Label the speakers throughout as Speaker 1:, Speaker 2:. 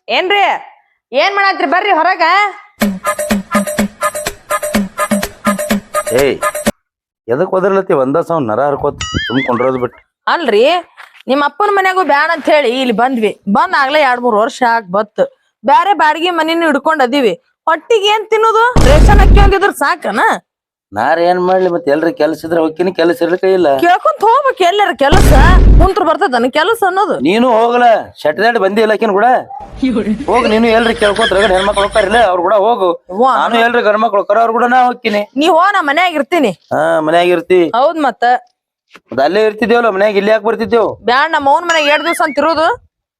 Speaker 1: ಏನ್ರಿ ಏನ್ ಮಾಡತ್ರಿ ಬರ್ರಿ ಹೊರಗ.
Speaker 2: ಏಯ್ ಎದಕ್ ಒದರ್ಲತ್ತಿ ಒಂದ ಸಾವ್ ನರ ಹರ್ಕೋತ್ ಸುಮ್ಕೊಂಡ್ರೋದ್ ಬಿಟ್ಟು.
Speaker 1: ಅಲ್ರಿ ನಿಮ್ಮ ಅಪ್ಪನ ಮನ್ಯಾಗು ಬ್ಯಾಡ ಅಂತ ಹೇಳಿ ಇಲ್ಲಿ ಬಂದ್ವಿ. ಬಂದ್ ಆಗ್ಲೇ 2-3 ವರ್ಷ ಆಗ್ ಬತ್. ಬ್ಯಾರೆ ಬಾಡಿಗೆ ಮನಿನ ಹಿಡ್ಕೊಂಡ್ ಅದೀವಿ. ಹೊಟ್ಟಿಗೆ ಏನ್ ತಿನ್ನೋದು? ರೇಷನ್ ಅಕ್ಕಿ ಒಂದಿದ್ರ ಸಾಕನ?
Speaker 2: ನಾರ್ ಏನ್ ಮಾಡ್ಲಿ ಮತ್ತೆ ಎಲ್ರಿ ಕೆಲ್ಸ ಇದ್ರ ಹೋಗ್ತೀನಿ, ಕೆಲಸ ಇರ್ಲಿಕ್ಕ ಇಲ್ಲ.
Speaker 1: ಕೇಳ್ಕೊಂತ ಹೋಗ್ಬೇಕು ಎಲ್ಲಾರ ಕೆಲಸ ಕುಂತ್ರ ಬರ್ತದನ ಕೆಲಸ ಅನ್ನೋದು.
Speaker 2: ನೀನು ಹೋಗಲ ಶೆಟ್ದಾಡಿ ಬಂದಿ ಇಲ್ಲಕಿನ್ ಕೂಡ ಹೋಗ್. ನೀನು ಎಲ್ರಿ ಕೇಳ್ಕೊಂತ ರಗಡ್ ಹೆಣ್ಮಕ್ಳು ಹೋಗ್ತಾರಿಲ್ಲ ಅವ್ರು ಕೂಡ ಹೋಗು. ನಾನು ಎಲ್ರಿ ಗಂಡ ಮಕ್ಳು ಹೋಗ್ತಾರ ಅವ್ರು ಕೂಡ ನಾ ಹೋಗ್ತೀನಿ.
Speaker 1: ನೀ ಹೋ ನಾ ಮನ್ಯಾಗ ಇರ್ತೀನಿ.
Speaker 2: ಹಾ ಮನ್ಯಾಗ ಇರ್ತಿ.
Speaker 1: ಹೌದ್ ಮತ್ತ
Speaker 2: ಅಲ್ಲೇ ಇರ್ತಿದ್ದೇವಲ್ಲ ಮನ್ಯಾಗ ಇಲ್ಲಿ ಯಾಕೆ ಬರ್ತಿದ್ದೇವು?
Speaker 1: ಬ್ಯಾಡ ನಮ್ಮ ಅವ್ನ ಮನ್ಯಾಗ 2 ದಿವ್ಸ ಅಂತ ಇರೋದು.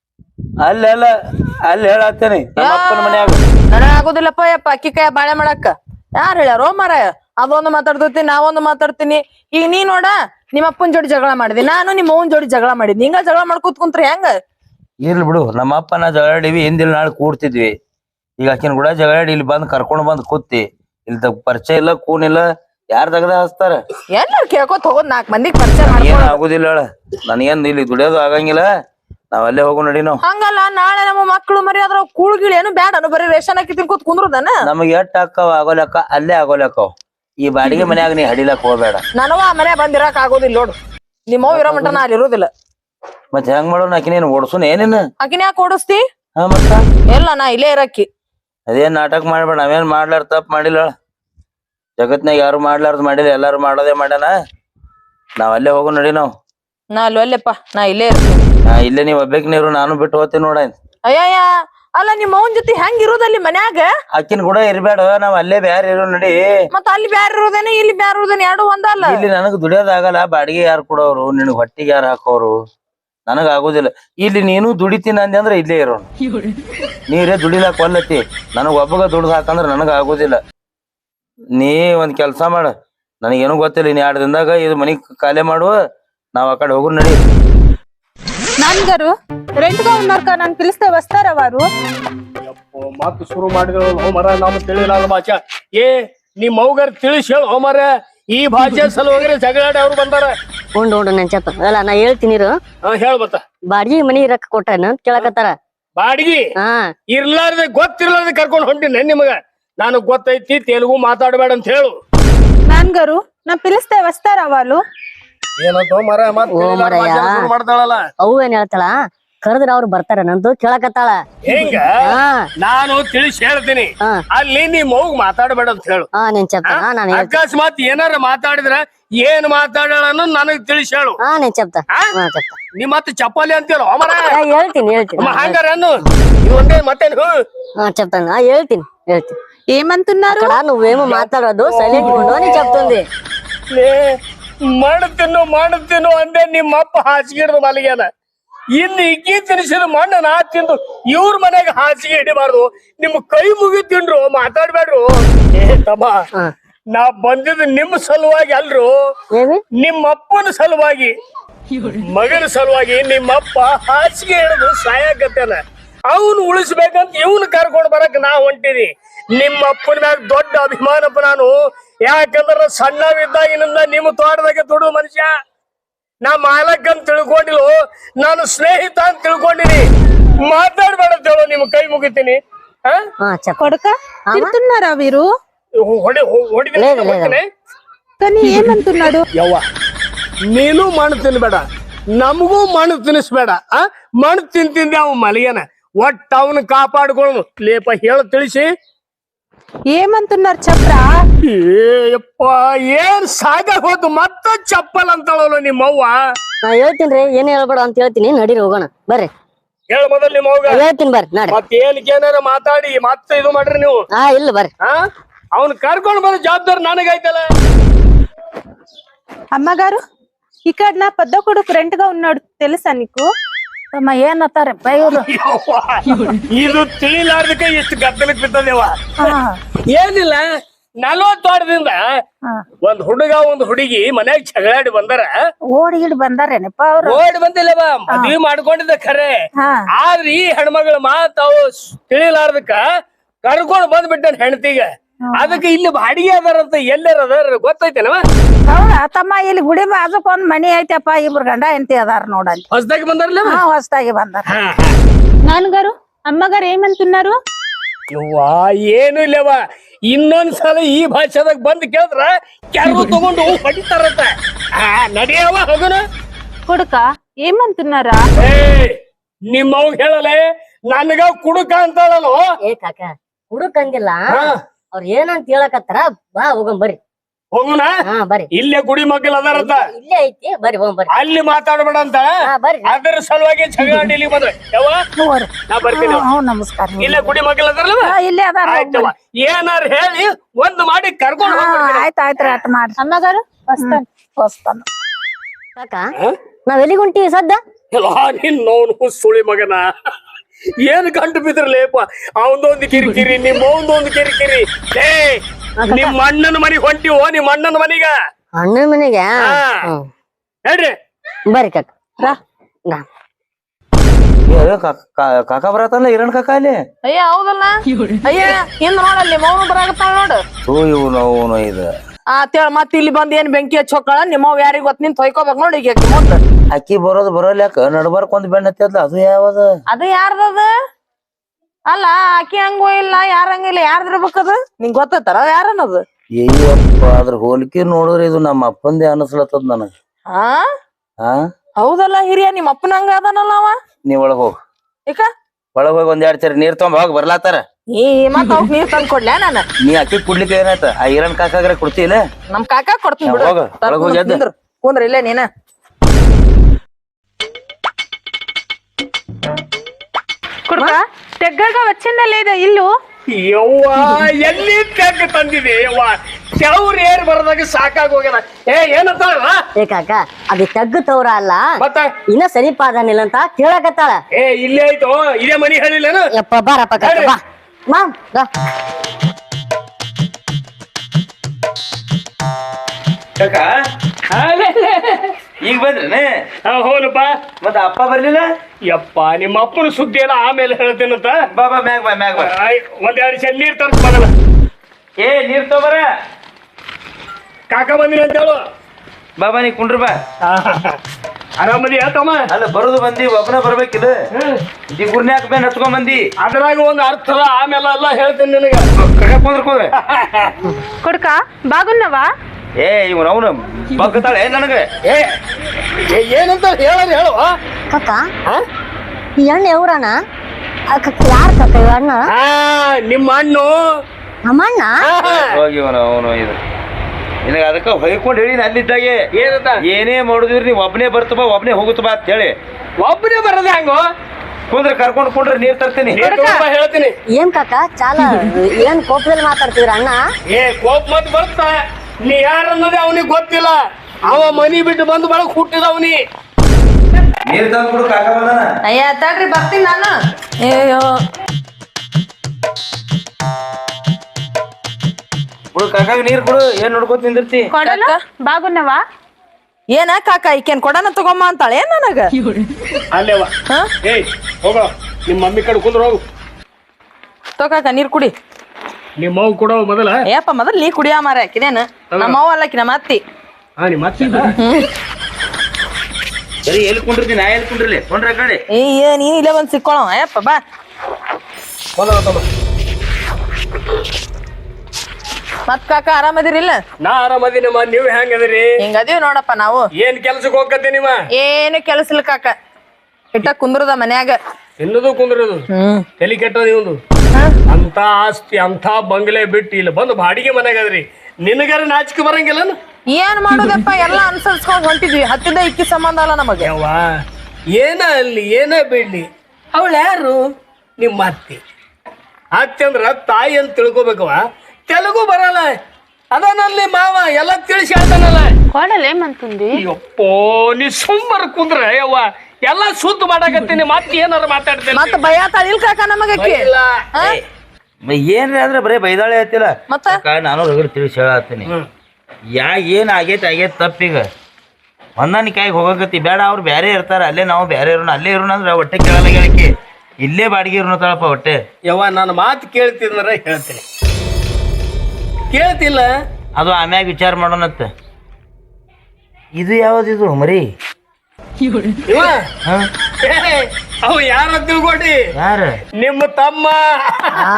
Speaker 2: ಅಲ್ಲ ಅಲ್ಲಿ ಹೇಳತ್ತೇನೆ ನಮ್ಮ ಅಪ್ಪನ ಮನ್ಯಾಗ.
Speaker 1: ನನಗ ಆಗೋದಿಲ್ಲಪ್ಪ ಯಪ್ಪ ಅಕ್ಕಿ ಕಾಯ ಬಾಳೆ ಮಾಡಕ್ಕ. ಯಾರು ಹೇಳ್ಯಾರೋ ಮಾರಾಯ? ಅದೊಂದು ಮಾತಾಡ್ತೀನಿ ನಾವೊಂದು ಮಾತಾಡ್ತೀನಿ. ಈಗ ನೀ ನೋಡ ನಿಮ್ಮ ಅಪ್ಪನ ಜೋಡಿ ಜಗಳ ಮಾಡಿದಿ, ನಾನು ನಿಮ್ಮ ಅವ್ವನ್ ಜೋಡಿ ಜಗಳ ಮಾಡಿದ್ನಿ. ಹಿಂಗ ಜಗಳ ಮಾಡ್ಕೊತ್ ಕುಂತ್ರಿ ಹೆಂಗ?
Speaker 2: ಇರ್ಲಿ ಬಿಡು, ನಮ್ಮ ಅಪ್ಪನ ಜಗಳಾಡಿವಿ ಹಿಂದಿಲ್ ನಾಳೆ ಕೂಡ್ತಿದ್ವಿ. ಈಗ ಆಕಿನ ಕೂಡ ಜಗಳಾಡಿ ಇಲ್ಲಿ ಬಂದ್ ಕರ್ಕೊಂಡ್ ಬಂದ್ ಕೂತಿ ಇಲ್ಲಿ ಪರಿಚಯ ಇಲ್ಲ ಕೂನಿಲ್ಲ ಯಾರ್ ತಗದ ಹಚ್ತಾರ?
Speaker 1: ಎಲ್ಲಾರು ಕೇಳ್ಕೊತ ಹೋಗೋದ್ 4 ಮಂದಿಗ್ ಪರಿಚಯ
Speaker 2: ಏನ್
Speaker 1: ಮಾಡ್ಕೊಳ್ಳೋದು.
Speaker 2: ಆಗುದಿಲ್ಲ ಹೇಳ, ನನಗೇನ್ ಇಲ್ಲಿ ದುಡಿಯೋದು ಆಗಂಗಿಲ್ಲ. ನಾವ್ ಅಲ್ಲೇ ಹೋಗೋ ನಡಿ ನಾವು.
Speaker 1: ಹಂಗಲ್ಲ ನಾಳೆ ನಮ್ಮ ಮಕ್ಳು ಮರಿ ಅದ್ರ ಕೂಳ್ಗಿಳಿ ಏನು ಬ್ಯಾಡನು? ಬರೀ ರೇಷನ್ ಹಾಕಿ ತಿನ್ಕೋತ್ ಕುಂದ್ರದನ?
Speaker 2: ನಮಗ್ ಎಟ್ ಹಾಕವ್ ಆಗೋಲೆಕ್ಕ ಅಲ್ಲೇ ಆಗೋಲೆಕ್ಕವ್. ಈ ಬಾಡಿಗೆ ಮನ್ಯಾಗ ನೀ ಹಡಿಲಕ್ ಹೋಗ್ಬೇಡ.
Speaker 1: ನನವ ಆ ಮನೆ ಬಂದಿರಕ್ ಆಗೋದಿಲ್ಲ ನೋಡು. ನಿಮ್ಮ ಅವ್ವ ಇರೋ ಮಟ್ಟ ನಾ ಅಲ್ಲಿ ಇರೋದಿಲ್ಲ.
Speaker 2: ಮತ್ ಹೆಂಗ್ ಮಾಡೋಣ? ಆಕಿನೇನ್ ಓಡ್ಸುನ್ ಏನೇನು?
Speaker 1: ಆಕಿನ ಯಾಕೆ ಓಡಿಸ್ತಿ?
Speaker 2: ಹಾ ಮತ್ತ
Speaker 1: ಎಲ್ಲ ನಾ ಇಲ್ಲೇ ಇರಕ್ಕಿ.
Speaker 2: ಅದೇನ್ ನಾಟಕ ಮಾಡ್ಬೇಡ. ನಾವೇನ್ ಮಾಡ್ಲಾರ ತಪ್ಪ ಮಾಡಿಲ್ಲ. ಜಗತ್ನಾಗ ಯಾರು ಮಾಡ್ಲಾರ್ದು ಮಾಡಿಲ್ಲ, ಎಲ್ಲಾರು ಮಾಡೋದೇ ಮಾಡ್ಯಾನ. ನಾವ್ ಅಲ್ಲೇ ಹೋಗೋ ನಡಿ ನಾವು.
Speaker 1: ನಾ ಅಲ್ಲಪ್ಪ ನಾ ಇಲ್ಲೇ ಇರ್ತೀನಿ.
Speaker 2: ಇಲ್ಲೇ ನೀವ್ ಒಬ್ಬಕ್ ನೀರು ನಾನು ಬಿಟ್ಟು ಹೋಗ್ತೀನಿ ನೋಡ.
Speaker 1: ಅಯ್ಯಯ್ಯ ಅಲ್ಲ ನಿಮ್ಮ ಅವ್ವನ್ ಜೊತೆ ಹೆಂಗ್ ಇರೋದಲ್ಲಿ ಮನ್ಯಾಗ?
Speaker 2: ಆಕಿನ್ ಕೂಡ ಇರ್ಬೇಡ, ನಾವ್ ಅಲ್ಲೇ ಬ್ಯಾರೆ ಇರೋ ನಡಿ.
Speaker 1: ಮತ್ತ ಅಲ್ಲಿ ಬ್ಯಾರ ಇರೋದೇನೆ ಇಲ್ಲಿ ಬ್ಯಾರ ಇರೋದೇನೆ ಎರಡು ಒಂದಲ್ಲ.
Speaker 2: ಇಲ್ಲಿ ನನಗ್ ದುಡಿಯೋದಾಗಲ್ಲ. ಬಾಡಿಗೆ ಯಾರು ಕೊಡೋರು, ನಿನಗ್ ಹೊಟ್ಟಿಗೆ ಯಾರು ಹಾಕೋರು? ನನಗ ಆಗುದಿಲ್ಲ. ಇಲ್ಲಿ ನೀನು ದುಡಿತೀನಿ ಅಂದೆ ಅಂದ್ರೆ ಇಲ್ಲೇ ಇರೋಣ. ನೀರೇ ದುಡಿಲಾಕ್ ಒಲ್ಲತಿ. ನನಗ್ ಒಬ್ಬಗ ದುಡ್ದು ಹಾಕಂದ್ರ ನನಗ ಆಗುದಿಲ್ಲ. ನೀ ಒಂದ್ ಕೆಲ್ಸ ಮಾಡ, ನನಗೇನು ಗೊತ್ತಿಲ್ಲ. ಇನ್ 2 ದಿನದಾಗ ಇದು ಮನಿ ಖಾಲಿ ಮಾಡುವ, ನಾವ್ ಆ ಕಡೆ ಹೋಗುನ್ ನಡಿ.
Speaker 3: నాన్నగారు రెంట్గా ఉన్నారు కదా నన్ను పిలిస్తే వస్తారా వారు?
Speaker 4: ಮಾತು ಶುರು ಮಾಡಿದ್ರು ಹೋಮರ ನಮ್ಗೆ ತಿಳಿಲ್ಲ ಭಾಷೆ. ನಿಮ್ ಮೌಗರ್ ತಿಳಿಸಿ ಹೇಳು ಹೋಮರ. ಈ ಭಾಷೆ ಸಲುವಾಗಿ ಜಗಳಾಡಿ ಅವ್ರು ಬಂದಾರ.
Speaker 5: ಉಂಡು ನನ್ ಚಪ್ಪ ಅಲ್ಲ ನಾ ಹೇಳ್ತೀನಿ
Speaker 4: ಹೇಳ್ ಮತ್ತ.
Speaker 5: ಬಾಡ್ಗಿ ಮನಿ ರೊಕ್ಕ ಕೊಟ್ಟಾನ ಅಂತ ಕೇಳಕತ್ತಾರ.
Speaker 4: ಬಾಡಿಗೆ
Speaker 5: ಹಾ
Speaker 4: ಇರ್ಲಾರ್ದೆ ಗೊತ್ತಿರ್ಲಾರ್ದೆ ಕರ್ಕೊಂಡ್ ಹೊಂಟಿನಿ ನಿಮಗ. ನನಗ್ ಗೊತ್ತೈತಿ ತೆಲುಗು ಮಾತಾಡ್ಬೇಡ ಅಂತ ಹೇಳು.
Speaker 3: నాన్నగారు నన్ను పిలిస్తే వస్తారా వాళ్ళు?
Speaker 4: ಏನಂತ ಹೋಮರ ಮಾಡ್ತಾಳಲ್ಲ.
Speaker 5: ಅವು ಏನ್ ಹೇಳ್ತಾಳ? ಕರೆದ್ರ ಅವ್ರು ಬರ್ತಾರ ನಂದು ಕೇಳಕತ್ತಾಳ.
Speaker 4: ಹೆಂಗ ನಾನು ತಿಳಿಸಿ ಹೇಳ್ತೀನಿ. ಅಲ್ಲಿ ನಿಮ್ ಮೌಗ್ ಮಾತಾಡ್ಬೇಡ ಅಂತ ಹೇಳು.
Speaker 5: ಹಾ ನಿನ್ ಚಪ್ಪ ನಾನು
Speaker 4: ಅಕಸ್ಮಾತ್ ಏನಾರ ಮಾತಾಡಿದ್ರ ಏನ್ ಮಾತಾಡೋಣ ಅನ್ನೋದು ನನಗ್ ತಿಳಿಸಿ ಹೇಳು.
Speaker 5: ಹಾ ನಿನ್ ಚಪ್ಪ
Speaker 4: ನಿಮ್ ಮತ್ತ ಚಪ್ಪಲಿ ಅಂತೀರ ಹೋಮರ.
Speaker 5: ಹೇಳ್ತೀನಿ
Speaker 4: ಹಂಗಾರ ಅನ್ನು ಒಂದೇ ಮತ್ತೇನು?
Speaker 5: ಹಾ ಚಪ್ಪ ಹೇಳ್ತೀನಿ.
Speaker 3: ఏమంటున్నారు?
Speaker 5: నువ్వేమో మాట్లాడదు సైలెంట్ ఉండు అని చెప్తుంది.
Speaker 4: ಮಾಡುತ್ತೇನು ಅಂದೆ ನಿಮ್ಮಪ್ಪ ಹಾಸಿಗೆ ಹಿಡಿದು ಮಲಗ್ಯಾನ. ಇನ್ನು ಇಕ್ಕಿ ತಿನ್ಸಿದ ಮಣ್ಣ ನಾ ತಿಂದು ಇವ್ರ ಮನೆಗೆ ಹಾಸಿಗೆ ಹಿಡಿಬಾರ್ದು. ನಿಮ್ ಕೈ ಮುಗಿ ತಿಂಡ್ರು ಮಾತಾಡ್ಬೇಡ್ರು. ತಮ್ಮ ನಾ ಬಂದಿದ್ದು ನಿಮ್ ಸಲುವಾಗಿ ಅಲ್ರು, ನಿಮ್ಮಪ್ಪನ ಸಲುವಾಗಿ, ಮಗನ ಸಲುವಾಗಿ. ನಿಮ್ಮಪ್ಪ ಹಾಸಿಗೆ ಹಿಡಿದು ಸಾಯಕತ್ತಾನ. ಅವನು ಉಳಿಸ್ಬೇಕಂತ ಇವನು ಕರ್ಕೊಂಡ್ ಬರಕ್ ನಾ ಹೊಂಟಿನಿ. ನಿಮ್ಮ ಅಪ್ಪನ ಮ್ಯಾಗ ದೊಡ್ಡ ಅಭಿಮಾನಪ್ಪ ನಾನು. ಯಾಕಂದ್ರ ಸಣ್ಣವಿದ್ದಾಗಿನಿಂದ ನಿಮ್ಮ ತೋಟದಾಗ ದುಡಿದು ಮನುಷ್ಯ. ನಾ ಮಾಲಕ್ ಅಂತ ತಿಳ್ಕೊಂಡಿಲ್ಲ, ನಾನು ಸ್ನೇಹಿತ ಅಂತ ತಿಳ್ಕೊಂಡಿನಿ. ಮಾತಾಡ್ಬೇಡ ಹೇಳು, ನಿಮ್ ಕೈ ಮುಗಿತೀನಿ.
Speaker 3: కొడక తింటున్నారా వీరు?
Speaker 4: ಹೊಡಿತೀನಿ.
Speaker 3: కానీ ఏమంటున్నాడు?
Speaker 4: ಯವ್ವ ನೀನು ಮಣ್ಣು ತಿನ್ಬೇಡ, ನಮಗೂ ಮಣ್ಣು ತಿನ್ನಿಸ್ಬೇಡ. ಮಣ್ಣು ತಿಂತಿಂದೆ ಅವ್ ಮಲಗ್ಯಾನ. ಒಟ್ಟ ಅವನು ಕಾಪಾಡ್ಕೊಳ್ಳೋನು. ಲೇಪ ಹೇಳು ತಿಳಿಸಿ.
Speaker 3: ఏమంటున్నారు చెప్పరా?
Speaker 4: ಯಪ್ಪ ಏನ್ ಸಾಗ ಹೋತು ಮತ್ತ ಚಪ್ಪಲ್ ಅಂತಾಳಲ್ಲ ನಿಮ್ಮವ್ವ.
Speaker 5: ನಾ ಹೇಳ್ತೀನಿ ಏನ್ ಹೇಳ್ಬೇಡ ಅಂತ ಹೇಳ್ತೀನಿ. ನಡೀರಿ ಹೋಗೋಣ ಬರ್ರಿ.
Speaker 4: ಹೇಳ ಮೊದಲ್ ನಿಮ್ಮವ್ಗ
Speaker 5: ಹೇಳ್ತೀನಿ ಬರ್ರಿ ನಡ್ರಿ.
Speaker 4: ಮತ್ ಏನಾರ ಮಾತಾಡಿ ಮತ್ತೆ ಇದು ಮಾಡ್ರಿ ನೀವು.
Speaker 5: ಇಲ್ಲ ಬರ್ರಿ.
Speaker 4: ಅವ್ನ ಕರ್ಕೊಂಡ್ ಬರೋ ಜವಾಬ್ದಾರಿ ನನಗೈತಲ್ಲ.
Speaker 3: అమ్మగారు ఇక్కడ నా పెద్ద కొడుకు రెంట్ గా ఉన్నాడు తెలుసా నీకు?
Speaker 1: ಏನತ್ತಾರಪ್ಪ ಇವ್ರು?
Speaker 4: ಇದು ತಿಳಿಲಾರ್ದಕ್ಕೆ ಇಷ್ಟು ಗದ್ದಲಕ್ ಬಿದ್ದದೇವ. ಏನಿಲ್ಲ, 40 ವರ್ಷದಿಂದ ಒಂದ್ ಹುಡುಗ ಒಂದ್ ಹುಡುಗಿ ಮನ್ಯಾಗ ಜಗಳಾಡಿ ಬಂದಾರ.
Speaker 1: ಓಡಿಗಿಡ್ ಬಂದಾರೇನಪ್ಪ ಅವ್ರು?
Speaker 4: ಓಡಿ ಬಂದಿಲ್ಲವ, ಮದ್ವಿ ಮಾಡ್ಕೊಂಡಿದ್ದ ಖರೆ. ಆದ್ರೆ ಈ ಹೆಣ್ಮಗಳ ಮಾತ್ ಅವು ತಿಳಿಲಾರ್ದಕ್ಕ ಕರ್ಕೊಂಡ್ ಬಂದ್ಬಿಟ್ಟ ಹೆಣ್ತಿಗ. ಅದಕ್ಕೆ ಇಲ್ಲಿ ಬಾಡಿಗೆ ಅದಾರಂತ ಎಲ್ಲಾರ ಅದಾರ ಗೊತ್ತೈತೇನವ?
Speaker 1: ಹೌದಾ ತಮ್ಮ, ಇಲ್ಲಿ ಗುಡಿ ಬಾಜುಕ್ ಒಂದ್ ಮನಿ ಐತಪ್ಪ. 2 ಗಂಡ ಹೆಂಡತಿ ಅದಾರ ನೋಡಲ್ಲಿ.
Speaker 4: ಹೊಸದಾಗಿ ಬಂದಾರಲ್ಲ?
Speaker 1: ಹೊಸದಾಗಿ ಬಂದಾರ.
Speaker 3: నాన్నగారు అమ్మగారు ఏమంటున్నారు?
Speaker 4: ಯವ್ವಾ ಏನು ಇಲ್ಲವ ಇನ್ನೊಂದ್ಸಲ ಈ ಭಾಷೆದಾಗ ಬಂದ್ ಕೇಳಿದ್ರ ಕೆರವು ತಗೊಂಡು ಹೊಡಿತಾರತ್ತ ನಡಿಯವ ಹೋಗುನ
Speaker 3: కొడుక ఏమంటున్నారా?
Speaker 4: ಏ ನಿಮ್ಮವ್ ಹೇಳಲೆ ನನಗ ಕುಡುಕ ಅಂತಾಳಲ್ಲೋ
Speaker 5: ಏ ಕಾಕ ಹುಡುಕಂಗಿಲ್ಲ ಅವ್ರ ಏನಂತ ಹೇಳಕತ್ತಾರ ಬಾ ಹೋಗಂ ಬರ್ರಿ.
Speaker 4: ಹೋಗುನ
Speaker 5: ಹಾ ಬರ್ರಿ,
Speaker 4: ಇಲ್ಲೇ ಗುಡಿ ಮಗ್ಗಲ್ ಅದಾರತ್ತ
Speaker 5: ಇಲ್ಲೇ ಐತಿ ಬರ್ರಿ ಹೋಗಂ ಬರ್ರಿ.
Speaker 4: ಅಲ್ಲಿ ಮಾತಾಡ್ಬೇಡ ಅಂತಾಳ
Speaker 5: ಹಾ ಬರ್ರಿ.
Speaker 4: ಅದ್ರ ಸಲುವಾಗಿ ಜಗಳ ಇಲ್ಲಿ ಬಂದ್ರೆ ಯವ್ವ ನಾ ಬರ್ತೀನಿ
Speaker 1: ನಮಸ್ಕಾರ
Speaker 4: ಇಲ್ಲೇ ಗುಡಿ ಮಗ್ಗಲ್ ಅದಾರಲ್ಲ
Speaker 1: ಇಲ್ಲೇ ಅದಾರ
Speaker 4: ಆಯ್ತವ್ವ ಏನಾರ ಹೇಳಿ ಒಂದ್ ಮಾಡಿ ಕರ್ಕೊಂಡು ಹೋಗ್ಬಿಡ್ತೀನಿ.
Speaker 1: ಆಯ್ತಾಯ್ತ್ರಿ ಅಟ್ ಮಾಡ್ರಿ
Speaker 3: అమ్మగారు వస్తాను.
Speaker 1: ಹೊಸ್ತಾನ
Speaker 5: ಕಾಕ ನಾವ್ ಎಲ್ಲಿಗ್ ಹೊಂಟಿವಿ ಸದ್ದ?
Speaker 4: ಎಲ್ಲ ನಿನ್ನವನು ಸುಳಿ ಮಗನ ಏನ್ ಗಂಟು ಬಿದ್ರಲೇಪ ಅವನದೊಂದು ಕಿರಿಕಿರಿ ನಿಮ್ಮವನದೊಂದು ಕಿರಿಕಿರಿ ಏ ನಿಮ್ಮ ಅಣ್ಣನ ಮನೆಗ್ ಹೊಂಟಿವೋ ನಿಮ್ಮ ಅಣ್ಣನ ಮನೆಗ
Speaker 5: ಅಣ್ಣನ ಮನೆಗೆ
Speaker 4: ಹೇಳ್ರಿ
Speaker 5: ಬರ್ರಿ ಕಾಕ
Speaker 3: రా.
Speaker 2: ಕಾಕ ಬರತ್ತಲ್ಲ ಹಿರಣ್ ಕಾಕ ಅಲ್ಲಿ
Speaker 1: ಅಯ್ಯ ಹೌದಲ್ಲ ಅಯ್ಯ ಹಿಂದ್ ನೋಡಲ್ಲಿ ಮೌನ ಬರಾಕತ್ತಾಳ ನೋಡು
Speaker 2: ಇವನು ಇದು
Speaker 1: ಅಂತೇಳ ಮತ್ ಇಲ್ಲಿ ಬಂದ್ ಏನ್ ಬೆಂಕಿ ಹಚ್ಚೋಕಳ ನಿಮ್ಮವ್ ಯಾರಿಗ್ ಗೊತ್ತ ನಿನ್ ತೊಯ್ಕೋಬೇಕ್ ನೋಡಿ ಈಗ ಮುಂದ
Speaker 2: ಅಕ್ಕಿ ಬರೋದು ಬರೋಲ್ಯಾಕ ನಡ್ಬಾರ್ಕ್ ಒಂದ್ ಬೆಣ್ಣ ಹತ್ತಲ್ಲ ಅದು ಯಾವದ
Speaker 1: ಅದು ಯಾರ್ದದ ಅಲ್ಲ ಆಕಿ ಹಂಗೂ ಇಲ್ಲ ಯಾರಂಗಿಲ್ಲ ಯಾರ್ದಿರ್ಬೇಕದ ನಿಂಗ್ ಗೊತ್ತೈತಾರ ಯಾರನ್ನದು
Speaker 2: ಅಯ್ಯಪ್ಪ ಅದ್ರ ಹೋಲಿಕೆ ನೋಡಿದ್ರೆ ಇದು ನಮ್ಮ ಅಪ್ಪಂದೇ ಅನಸ್ಲತ್ತದ ನನಗ
Speaker 1: ಹಾ
Speaker 2: ಹಾ
Speaker 1: ಹೌದಲ್ಲ ಹಿರಿಯ ನಿಮ್ ಅಪ್ಪನ ಹಂಗ ಅದನಲ್ಲ ಅವ
Speaker 2: ನೀ ಒಳಗ್ ಹೋಗ್
Speaker 1: ಈಗ
Speaker 2: ಒಳಗ್ ಹೋಗಿ ಒಂದ್ ಎರಡ್ ಸರಿ ನೀರ್ ತಗೊಂಡ್ ಹೋಗ್ ಬರ್ಲಾತಾರ
Speaker 1: ಈ ಮತ್ ಅವ್ಕ್ ನೀರ್ ತಂದ್ ಕೊಡ್ಲ ನಾನು
Speaker 2: ನೀ ಅಕ್ಕಿ ಕುಡ್ಲಿಕ್ಕೆ ಏನಾಯ್ತ ಆ ಹಿರಣ್ ಕಾಕಾಗ್ರೆ ಕೊಡ್ತಿಲ್ಲ
Speaker 1: ನಮ್ ಕಾಕ ಕೊಡ್ತೀನಿ ಬಿಡು
Speaker 2: ಹೋಗ, ಒಳಗ್ ಹೋಗಿ ಎದ್ದು.
Speaker 1: ಕುಂದ್ರ ಇಲ್ಲೇ ನೀನ
Speaker 3: కొడుక దగ్గరగా వచ్చిందా లేదా ఇల్లు?
Speaker 4: ಯವ್ವ ಎಲ್ಲಿ ತೆಗ್ ತಂದಿದೆ ಯವ್ವ ಕೆವ್ರ ಏರ್ ಬರದಾಗ ಸಾಕಾಗ ಹೋಗ್ಯದ ಏನಂತಾಳ
Speaker 5: ಏ ಕಾಕ ಅದು ತಗ್ಗು ತವ್ರ ಅಲ್ಲ
Speaker 4: ಮತ್ತ
Speaker 5: ಇನ್ನ ಸನಿಪ ಅದಾನಿಲ್ಲ ಅಂತ ಕೇಳಕತ್ತಾಳ.
Speaker 4: ಇಲ್ಲೇ ಆಯ್ತು ಇದೇ ಮನಿ ಹೇಳಿಲ್ಲೇನು
Speaker 5: ಯಪ್ಪ ಬಾರಪ್ಪ ಕಾಕ ಬಾ ಮಾಮ್ ಬಾ.
Speaker 2: ಈಗ ಬಂದ್ರನೆ
Speaker 4: ಹೋನಪ್ಪ
Speaker 2: ಮತ್ತ ಅಪ್ಪ ಬರ್ಲಿಲ್ಲ
Speaker 4: ಯಪ್ಪ ನಿಮ್ಮ ಅಪ್ಪನ ಸುದ್ದಿ ಎಲ್ಲ ಆಮೇಲೆ ಹೇಳ್ತೇನಂತ
Speaker 2: ಬಾಬಾ ಮ್ಯಾಗ್ ಬಾ ಮ್ಯಾಗ್ ಬಾ
Speaker 4: ಒಂದೆರಡು ಚೆನ್ನ ನೀರ್ ತರ್ಸ್ ಬರಲ್ಲ
Speaker 2: ಏ ನೀರ್ ತಗೋಬರ
Speaker 4: ಕಾಕ ಬಂದಿನ ಅಂತ ಹೇಳು
Speaker 2: ಬಾಬಾ ನೀ ಕುಂಡ್ರ ಬಾ
Speaker 4: ಆರಾಮದಿ ಆತಮ್ಮ
Speaker 2: ಅಲ್ಲ ಬರೋದು ಬಂದಿ ಒಬ್ಬನ ಬರ್ಬೇಕಿಲ್ಲ ಈ ಗುರ್ನ್ಯಾಕ ಬೇನ್ ಹಚ್ಕೊಂಡ್ ಬಂದಿ
Speaker 4: ಅದ್ರಾಗ ಒಂದು ಅರ್ಥದ ಆಮೇಲೆ ಎಲ್ಲ ಹೇಳ್ತೇನೆ ನಿನಗೆ
Speaker 2: ಕುಂದ್ರ
Speaker 3: కొడుక బాగున్నావా?
Speaker 2: ಏ ಇವ್ನು ಅವನು ಬಗ್ತಾಳೆ ನನಗ
Speaker 4: ಏನಂತ ಹೇಳೋದು ಹೇಳು
Speaker 5: ಕಾಕ ಈ ಅಣ್ಣ ಎವ್ರಣ್ಣ? ಯಾರ ಕಾಕ ಇವ ಅಣ್ಣ?
Speaker 4: ನಿಮ್ಮ ಅಣ್ಣು
Speaker 5: ನಮ್ಮ ಅಣ್ಣ?
Speaker 2: ಹೋಗಿ ಅವನು ಇದು ನಿನಗ ಅದಕ್ಕ ಹೊಯ್ಕೊಂಡು ಹೇಳಿ ಅಲ್ಲಿದ್ದಾಗೆ
Speaker 4: ಏನಂತ
Speaker 2: ಏನೇ ಮಾಡುದಿರಿ ನೀವ್ ಒಬ್ನೇ ಬರ್ತ ಬಾ ಒಬ್ನೇ ಹೋಗುತ್ತ ಬಾ ಅಂತ ಹೇಳಿ
Speaker 4: ಒಬ್ಬನೇ ಬರೋದ ಹಂಗು
Speaker 2: ಕುಂದ್ರ ಕರ್ಕೊಂಡು ಕುಂಡ್ರೆ ನೀರ್ ತರ್ತೀನಿ
Speaker 4: ಹೇಳ್ತೀನಿ
Speaker 5: ಏನ್ ಕಾಕ ಚಾಲ ಏನ್ ಕೋಪದಲ್ಲಿ ಮಾತಾಡ್ತಿದ್ರ ಅಣ್ಣ?
Speaker 4: ಕೋಪ ಮತ್ ಬರ್ತ ನೀ ಯಾರನ್ನೋದೇ ಅವನಿಗೆ ಗೊತ್ತಿಲ್ಲ ಅವ ಮನಿ ಬಿಟ್ಟು ಬಂದು ಬಳಕ್ ಹುಟ್ಟಿದ ಅವನಿ
Speaker 2: ನೀರ್ ತಂದು ಕೊಡು ಕಾಕ ಬಂದಾನ
Speaker 1: ಅಯ್ಯ ತಡ್ರಿ ಬರ್ತೀನಿ ನಾನು ಅಯ್ಯೋ
Speaker 2: ಕೊಡು ಕಾಕಾಗ ನೀರ್ ಕೊಡು ಏನ್ ನೋಡ್ಕೊತ ನಿಂದಿರ್ತಿ
Speaker 3: కొడలు బాగున్నావా?
Speaker 1: ಏನ ಕಾಕ ಈಕೇನ್ ಕೊಡನ ತಗೊಂಬ ಅಂತಾಳ ಏನ್ ನನಗ
Speaker 4: ಅಲ್ಲೇವ
Speaker 1: ಹಾ
Speaker 4: ಹೋಗೋ ನಿಮ್ಮ ಮಮ್ಮಿ ಕಡೆ ಕುಂದ್ರ ಹೋಗು
Speaker 1: ತೋ ಕಾಕ ನೀರ್ ಕುಡಿ
Speaker 4: ನಿಮ್ಮ ಮಗು ಕೊಡೋ ಮೊದಲ
Speaker 1: ಏಪ್ಪ ಮೊದಲ್ ನೀ ಕುಡಿಯ ಮಾರ ಹಾಕಿದೇನು ನಮ್ಮ ಅವ್ವ ಅಲ್ಲಕಿ ನಮ್ಮ ಅತ್ತಿ
Speaker 4: ನಿಮ್ಮ ಅತ್ತೆ
Speaker 2: ಸರಿ ಎಲ್ಲಿ ಕುಂಡಿರ್ತೀನಿ ನಾ ಎಲ್ಲಿ ಕುಂಡ್ರಿಲಿ ಕೊಂಡ್ರ ಕಡೆ
Speaker 1: ಏ ನೀನ್ ಇಲ್ಲೇ ಬಂದ್ ಸಿಕ್ಕೊಳ್ಳೋ ಅಯ್ಯಪ್ಪ ಬಾ ಮತ್ ಕಾಕ ಆರಾಮದಿರಿಲ್ಲ
Speaker 4: ನಾ ಆರಾಮದಿನಮ್ಮ ನೀವ್ ಹೆಂಗದಿರಿ
Speaker 1: ಹಿಂಗದೀವ್ ನೋಡಪ್ಪ ನಾವು
Speaker 4: ಏನ್ ಕೆಲ್ಸಕ್ಕೆ ಹೋಗತ್ತೆ ನಿಮ್ಮ
Speaker 1: ಏನು ಕೆಲಸ ಇಲ್ಲ ಕಾಕ ಇಟ್ಟ ಕುಂದ್ರದ ಮನ್ಯಾಗ
Speaker 4: ತಿನ್ನೋದು ಕುಂದ್ರದು ತಲೆ ಕೆಟ್ಟದ ಇವಂದು ಅಂತ ಆಸ್ತಿ ಅಂತ ಬಂಗ್ಲೆ ಬಿಟ್ಟು ಇಲ್ಲಿ ಬಂದು ಬಾಡಿಗೆ ಮನೆಗದ್ರಿ ನಿನಗಾರ ನಾಚಿಕೆ ಬರಂಗಿಲ್ಲ
Speaker 1: ಏನ್ ಮಾಡೋದಪ್ಪ ಎಲ್ಲಾ ಅನ್ಸರ್ಸ್ಕೊಂಡ್ ಹೊಂಟಿದ್ವಿ ಹತ್ತಿದ ಇಕ್ಕಿ ಸಂಬಂಧ ಅಲ್ಲ ನಮಗೆ
Speaker 4: ಯವ್ವ ಏನ ಅಲ್ಲಿ ಏನ ಬಿಡ್ಲಿ ಅವಳು ಯಾರು ನಿಮ್ಮ ಅತ್ತಿ ಅತ್ತಿ ಅಂದ್ರ ತಾಯಿ ಅಂತ ತಿಳ್ಕೊಬೇಕವ ತೆಲುಗು ಬರಲ್ಲ ಅದನಲ್ಲಿ ಮಾವ ಎಲ್ಲ ತಿಳಿಸಿ ಹೇಳ್ತಾನಲ್ಲ
Speaker 3: కోడలు ఏమంటుంది?
Speaker 4: ಯಪ್ಪೋ ನೀ ಸುಮ್ಮರ್ ಕುಂದ್ರ ಯವ್ವ ಎಲ್ಲ ಸುದ್ದ ಮಾಡಾಕತ್ತೀನಿ ಮತ್ತೆ ಏನಾರ ಮಾತಾಡ್ತೇನೆ
Speaker 1: ಮತ್ತ ಭಯತಾಳ ಇಲ್ ಕಾಕ ನಮಗೆ
Speaker 2: ಏನ್ರಿ ಅಂದ್ರೆ ಬರೀ ಬೈದಾಳೆ ಆಯ್ತಿಲ್ಲ
Speaker 1: ಮತ್ತ
Speaker 2: ನಾನು ರಗಡ್ ತಿಳಿಸಿ ಹೇಳತ್ತೀನಿ ಏನ್ ಆಗೈತೆ ತಪ್ಪೀಗ ಹೊಂದಾಣಿಕಾಯಿಗೆ ಹೋಗಕತ್ತಿ ಬೇಡ ಅವ್ರು ಬೇರೆ ಇರ್ತಾರ ಅಲ್ಲೇ ನಾವು ಬೇರೆ ಇರೋಣ ಅಲ್ಲೇ ಇರೋಣ ಅಂದ್ರೆ ಹೊಟ್ಟೆ ಕೇಳಲ್ಲ ಗೆಳಕಿ ಇಲ್ಲೇ ಬಾಡಿಗೆ ಇರೋಣ ತಾಳಪ್ಪ ಹೊಟ್ಟೆ
Speaker 4: ಯವ್ವ ನಾನು ಮಾತು ಕೇಳ್ತಿದ್ರ ಹೇಳ್ತೀನಿ ಕೇಳ್ತಿಲ್ಲ
Speaker 2: ಅದು ಆಮ್ಯಾಗ ವಿಚಾರ ಮಾಡೋಣತ್ತ ಇದು ಯಾವ್ದಿದು ಮರಿ
Speaker 4: ಇವ
Speaker 2: ಹಾ
Speaker 4: ಅವ ಯಾರ ತಿಳ್ಕೊಡಿ
Speaker 2: ಯಾರ
Speaker 4: ನಿಮ್ಮ ತಮ್ಮ.
Speaker 1: ಆ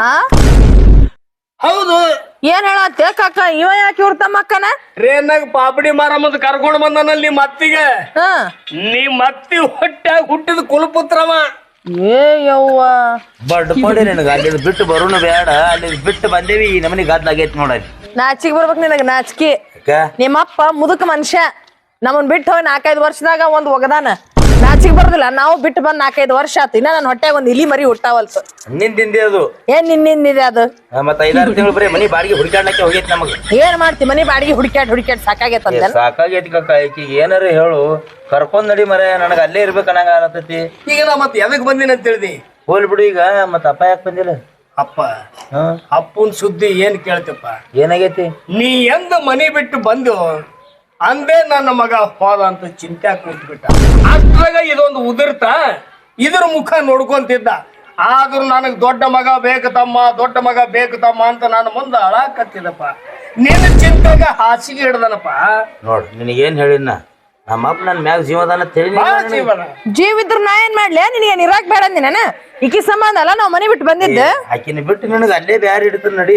Speaker 4: ಹೌದು,
Speaker 1: ಏನ್ ಹೇಳತ್ತೆ ಕಾಕ, ಇವ ಯಾಕೆ ಇವ್ರ ತಮ್ಮ ಅಕ್ಕನ?
Speaker 4: ಟ್ರೇನ್ನಾಗ ಪಾಪಡಿ ಮಾರಮ್ಮದ್ ಕರ್ಕೊಂಡ್ ಬಂದನಲ್ಲಿ ನಿಮ್ಮ ಅತ್ತಿಗೆ.
Speaker 1: ಹ
Speaker 4: ನಿಮ್ಮ ಅತ್ತಿ ಹೊಟ್ಟಾಗ ಹುಟ್ಟಿದ ಕುಲಪುತ್ರವ.
Speaker 1: ಏ ಯವ್ವ,
Speaker 2: ಬಡ್ ಪಡಿ ನಿನಗ ಅಲ್ಲಿ ಬಿಟ್ಟು ಬರೋಣ ಬೇಡ, ಅಲ್ಲಿ ಬಿಟ್ಟು ಬಂದೇವಿ ಈ ನಮನಿ ಗದ್ಲಾಗೈತಿ ನೋಡಲ್ಲಿ.
Speaker 1: ನಾಚಿಗೆ ಬರ್ಬೇಕು ನಿನಗ, ನಾಚಿಕೆ. ನಿಮ್ಮಪ್ಪ ಮುದುಕ ಮನುಷ್ಯ, ನಮ್ಮನ್ ಬಿಟ್ಟು ಹೋಗಿ 4-5 ವರ್ಷದಾಗ ಒಂದ್ ಒಗದಾನ. ನಾಚಿಗೆ ಬರೋದಿಲ್ಲ. ನಾವು ಬಿಟ್ಟು ಬಂದ್ 4-5 ವರ್ಷ ಆತು, ಇನ್ನ ನನ್ ಹೊಟ್ಟೆಗೆ ಒಂದ್ ಇಲಿ ಮರಿ ಹುಟ್ಟಾವಲ್ತು.
Speaker 2: ನಿಂದಿಂದೆ ಅದು
Speaker 1: ಏನ್ ನಿನ್ನಿಂದಿದೆ ಅದು?
Speaker 2: ಮತ್ತ 5-6 ತಿಂಗಳು ಬರೀ ಮನಿ ಬಾಡಿಗೆ ಹುಡುಕಾಡ್ಲಕ್ಕೆ ಹೋಗೈತಿ ನಮಗ.
Speaker 1: ಏನ್ ಮಾಡ್ತಿ, ಮನಿ ಬಾಡಿಗೆ ಹುಡುಕ್ಯಾಡ್ ಸಾಕಾಗೈತಂತ.
Speaker 2: ಸಾಕಾಗೈತಿ ಕಕ್ಕ. ಈಕಿಗೆ ಏನಾರ ಹೇಳು, ಕರ್ಕೊಂಡ್ ನಡಿ ಮರ, ನನಗ ಅಲ್ಲೇ ಇರ್ಬೇಕು ಅನ್ನಂಗ ಆಗತೈತಿ.
Speaker 4: ಈಗ ನಾ ಮತ್ತೆ ಎದಕ್ ಬಂದಿನ ಅಂತ ತಿಳಿದಿ?
Speaker 2: ಹೋಲ್ ಬಿಡು ಈಗ. ಮತ್ತ ಅಪ್ಪ ಯಾಕೆ ಬಂದಿಲ್ಲ?
Speaker 4: ಅಪ್ಪ ಅಪ್ಪನ್ ಸುದ್ದಿ ಏನ್ ಕೇಳ್ತಪ್ಪ?
Speaker 2: ಏನಾಗೈತಿ?
Speaker 4: ನೀ ಎಂದ ಮನಿ ಬಿಟ್ಟು ಬಂದು ಅಂದೇ ನನ್ನ ಮಗ ಹೋದ ಅಂತ ಚಿಂತೆ ಕೂತ್ಬಿಟ್ಟ. ಅಷ್ಟ್ರಾಗ ಇದೊಂದು ಉದುರ್ತ ಇದ್ರ ಮುಖ ನೋಡ್ಕೊಂತಿದ್ದ. ಆದ್ರೂ ನನಗ್ ದೊಡ್ಡ ಮಗ ಬೇಕು ತಮ್ಮ, ದೊಡ್ಡ ಮಗ ಬೇಕು ತಮ್ಮ ಅಂತ ನಾನು ಮುಂದೆ ಅಳಾಕತ್ತಿದಪ್ಪ. ನಿನ್ನ ಚಿಂತೆಗ ಹಾಸಿಗೆ ಹಿಡ್ದನಪ್ಪ.
Speaker 2: ನೋಡ್ ನಿನಗೇನ್ ಹೇಳಿನ, ನಮ್ಮಪ್ಪ ನನ್ ಮ್ಯಾಗ ಜೀವದಾನ ತಿಳಿ.
Speaker 4: ಜೀವನ
Speaker 1: ಜೀವ ಇದ್ರ ನಾ ಏನ್ ಮಾಡ್ಲಿ? ನಿನಗೆ ಇರಾಕ್ ಬೇಡ ಅಂದಿನ, ಈಕಿ ಸಂಬಂಧ ಅಲ್ಲ ನಾವ್ ಮನಿ ಬಿಟ್ಟು ಬಂದಿದ್ದ.
Speaker 2: ಆಕಿನ ಬಿಟ್ಟು ನನಗ ಅಲ್ಲೇ ಬ್ಯಾರ ಹಿಡಿತ ನಡಿ.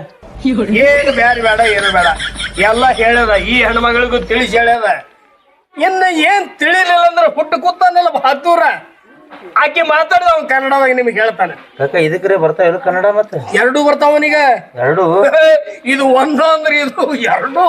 Speaker 4: ಏನು ಬ್ಯಾರ ಬೇಡ, ಏನು ಬೇಡ, ಎಲ್ಲ ಹೇಳ್ಯದ. ಈ ಹೆಣ್ಮಗಳಿಗೂ ತಿಳಿಸಿ ಹೇಳ್ಯದ. ಇನ್ನ ಏನ್ ತಿಳಿಲಿಲ್ಲ ಅಂದ್ರೆ ಹುಟ್ಟು ಕೂತಾನಲ್ಲ ಹತ್ತೂರ, ಆಕೆ ಮಾತಾಡಿದ ಅವ್ನು ಕನ್ನಡದಾಗ ನಿಮ್ಗೆ ಹೇಳ್ತಾನೆ.
Speaker 2: ಕಾಕ ಇದಕ್ರೆ ಬರ್ತಾವ ಇದು ಕನ್ನಡ? ಮತ್ತೆ
Speaker 4: ಎರಡೂ ಬರ್ತಾವನೀಗ.
Speaker 2: ಎರಡು
Speaker 4: ఇది ಒಂದು ಅಂದ್ರೆ ಇದು ಎರಡು.